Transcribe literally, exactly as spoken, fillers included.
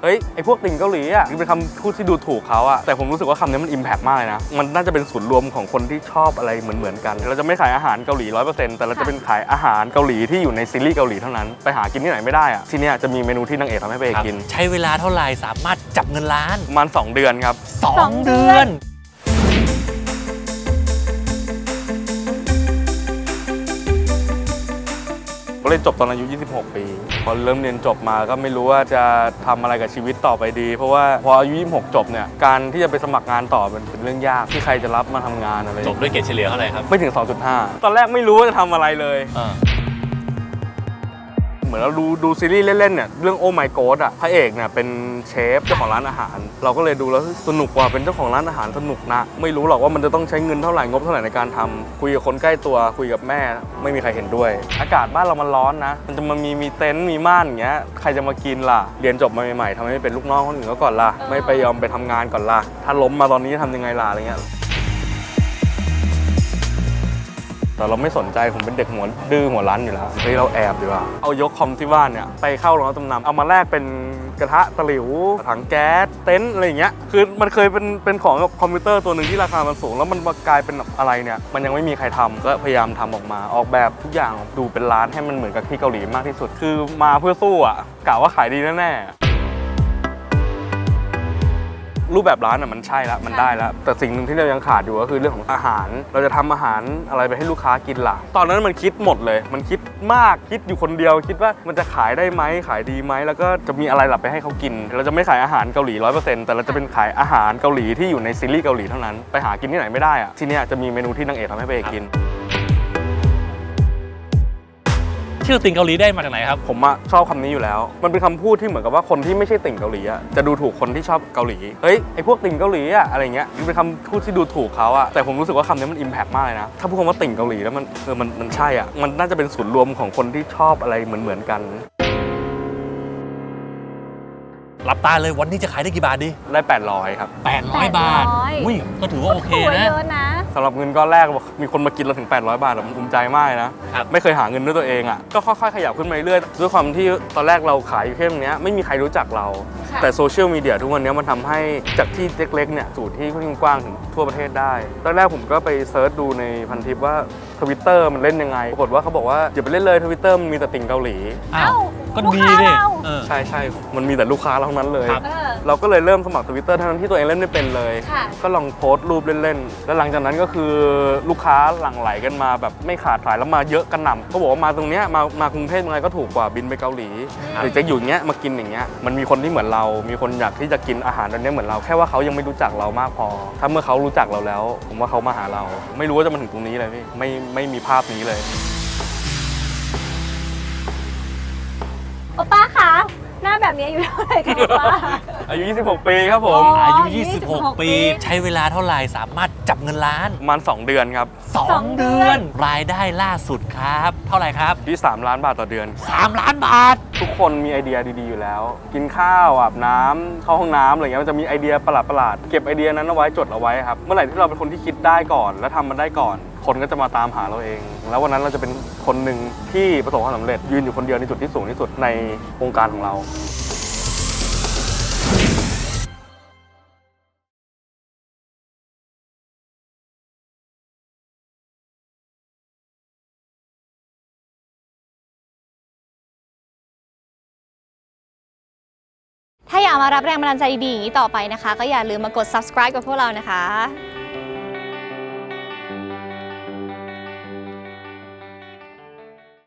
เฮ้ยไอพวกติ่งเกาหลีอ่ะเป็นคำพูดที่ดูถูกเขาอ่ะแต่ผมรู้สึกว่าคำนี้มันอิมแพกมากเลยนะมันน่าจะเป็นศูนย์รวมของคนที่ชอบอะไรเหมือนๆกันเราจะไม่ขายอาหารเกาหลีร้อยเปอร์เซ็นต์แต่เราจะเป็นขายอาหารเกาหลีที่อยู่ในซีรีส์เกาหลีเท่านั้นไปหากินที่ไหนไม่ได้อ่ะที่นี่จะมีเมนูที่นางเอกทำให้พระเอกกินใช้เวลาเท่าไหร่สามารถจับเงินล้านประมาณสองเดือนครับสองเดือนก็เรียนจบตอนอายุยี่สิบหกปีพอเริ่มเรียนจบมาก็ไม่รู้ว่าจะทำอะไรกับชีวิตต่อไปดีเพราะว่าพออายุยี่สิบหกจบเนี่ยการที่จะไปสมัครงานต่อมันเป็นเรื่องยากที่ใครจะรับมาทำงานอะไรจบด้วยเกรดเฉลี่ยเท่าไหร่ครับไม่ถึง สองจุดห้า ตอนแรกไม่รู้ว่าจะทำอะไรเลยเหมือนเราดูดูซีรีส์เล่นๆเนี่ยเรื่องโอ้ my god อ่ะพระเอกเนี่ยเป็นเชฟเจ้าของร้านอาหารเราก็เลยดูแล้วสนุกกว่าเป็นเจ้าของร้านอาหารสนุกนะไม่รู้หรอกว่ามันจะต้องใช้เงินเท่าไหร่งบเท่าไหร่ในการทำคุยกับคนใกล้ตัวคุยกับแม่ไม่มีใครเห็นด้วยอากาศบ้านเรามันร้อนนะมันจะมามีมีเต็นท์มีม่านอย่างเงี้ยใครจะมากินล่ะเรียนจบมาใหม่ๆทำไมไม่เป็นลูกน้องคนอื่นก็ก่อนล่ะไม่ไปยอมไปทำงานก่อนล่ะถ้าล้มมาตอนนี้ทำยังไงล่ะอะไรเงี้ยแต่เราไม่สนใจผมเป็นเด็กหัวดื้อหัวรั้นอยู่แล้วเฮ้ยเราแอบดีกว่าเอายกคอมที่บ้านเนี่ยไปเข้าโรงรับจำนำเอามาแลกเป็นกระทะตะหลิวถังแก๊สเต็นท์อะไรอย่างเงี้ยคือมันเคยเป็นเป็นของกับคอมพิวเตอร์ตัวหนึ่งที่ราคามันสูงแล้วมันมากลายเป็นอะไรเนี่ยมันยังไม่มีใครทำก็พยายามทำออกมาออกแบบทุกอย่างดูเป็นร้านให้มันเหมือนกับที่เกาหลีมากที่สุดคือมาเพื่อสู้อ่ะกะว่าขายดีแน่ๆรูปแบบร้านอ่ะมันใช่แล้วมันได้แล้วแต่สิ่งหนึ่งที่เรายังขาดอยู่ก็คือเรื่องของอาหารเราจะทำอาหารอะไรไปให้ลูกค้ากินล่ะตอนนั้นมันคิดหมดเลยมันคิดมากคิดอยู่คนเดียวคิดว่ามันจะขายได้ไหมขายดีไหมแล้วก็จะมีอะไรหลับไปให้เขากินเราจะไม่ขายอาหารเกาหลีร้อยเปอร์เซ็นต์แต่เราจะเป็นขายอาหารเกาหลีที่อยู่ในซีรีส์เกาหลีเท่านั้นไปหากินที่ไหนไม่ได้อ่ะที่นี่จะมีเมนูที่นางเอกทำให้พระเอกกินชื่อติ่งเกาหลีได้มาจากไหนครับผมอะชอบคำนี้อยู่แล้วมันเป็นคำพูดที่เหมือนกับว่าคนที่ไม่ใช่ติ่งเกาหลีอะจะดูถูกคนที่ชอบเกาหลีเฮ้ยไอพวกติ่งเกาหลีอะอะไรเงี้ยมันเป็นคำพูดที่ดูถูกเขาอะแต่ผมรู้สึกว่าคำนี้มันอิมแพกมากเลยนะถ้าพูดคำว่าติ่งเกาหลีแล้วมันเออมันมันใช่อะมันน่าจะเป็นศูนย์รวมของคนที่ชอบอะไรเหมือนเหมือนกันหลับตาเลยวันนี้จะขายได้กี่บาทดีได้แปดร้อยครับแปดร้อยบาทอุ้ยก็ถือว่าโอเคนะสำหรับเงินก้อนแรกมีคนมากินเราถึงแปดร้อยบาทผมภูมิใจมากนะไม่เคยหาเงินด้วยตัวเองอ่ะก็ค่อยๆขยับขึ้นมาเรื่อยด้วยความที่ตอนแรกเราขายอยู่แค่ตรงนี้ไม่มีใครรู้จักเราแต่โซเชียลมีเดียทุกวันนี้มันทำให้จากที่เล็กๆเนี่ยสู่ที่กว้างถึงทั่วประเทศได้ตอนแรกผมก็ไปเซิร์ชดูในพันทิปว่าทวิตเตอร์มันเล่นยังไงปรากฏว่าเขาบอกว่าอย่าไปเล่นเลยทวิตเตอร์มันมีแต่ติ่งเกาหลีอ้าวก็ดีดิใช่ใช่มันมีแต่ลูกค้าเท่านั้นเลยเราก็เลยเริ่มสมัครทวิตเตอร์ทั้งที่ตัวเองเล่นไม่เป็นเลยก็ลองโพสต์รูปเล่นๆแล้วหลังจากนั้นก็คือลูกค้าหลั่งไหลกันมาแบบไม่ขาดสายแล้วมาเยอะกันหน่ำก็บอกว่ามาตรงเนี้ยมามากรุงเทพยังไงก็ถูกกว่าบินไปเกาหลีหรือจะอยู่เงี้ยมากินอย่างเงี้ยมันมีคนที่เหมือนเรามีคนอยากที่จะกินอาหารแบบนี้เหมือนเราแค่ว่าเขายังไม่รู้จักเรามากพอถ้าเมื่อเขารู้จักเราแล้วผมว่าเขามาหาเราไม่รู้ว่าจะมาถึงตรงนี้เลยพี่ไม่ไม่มีภาพนี้เลยโอป้าคะหน้าแบบนี้อายุเท่าไหร่คะป้าอายุยี่สิบหกปีครับผมอายุยี่สิบหกปีใช้เวลาเท่าไหร่สามารถจับเงินล้านประมาณสองเดือนครับสองเดือนรายได้ล่าสุดครับเท่าไหร่ครับที่สามล้านบาทต่อเดือนสามล้านบาททุกคนมีไอเดียดีๆอยู่แล้วกินข้าวอาบน้ำเข้าห้องน้ำอะไรเงี้ยมันจะมีไอเดียประหลาดๆเก็บไอเดียนั้นเอาไว้จดเอาไว้ครับเมื่อไหร่ที่เราเป็นคนที่คิดได้ก่อนและทำมันได้ก่อนคนก็จะมาตามหาเราเองแล้ววันนั้นเราจะเป็นคนหนึ่งที่ประสบความสำเร็จยืนอยู่คนเดียวในจุดที่สูงที่สุดในวงการของเราถ้าอยากมารับแรงบันดาลใจดีๆต่อไปนะคะก็อย่าลืมมากด ซับสไครบ์ กับพวกเรานะคะ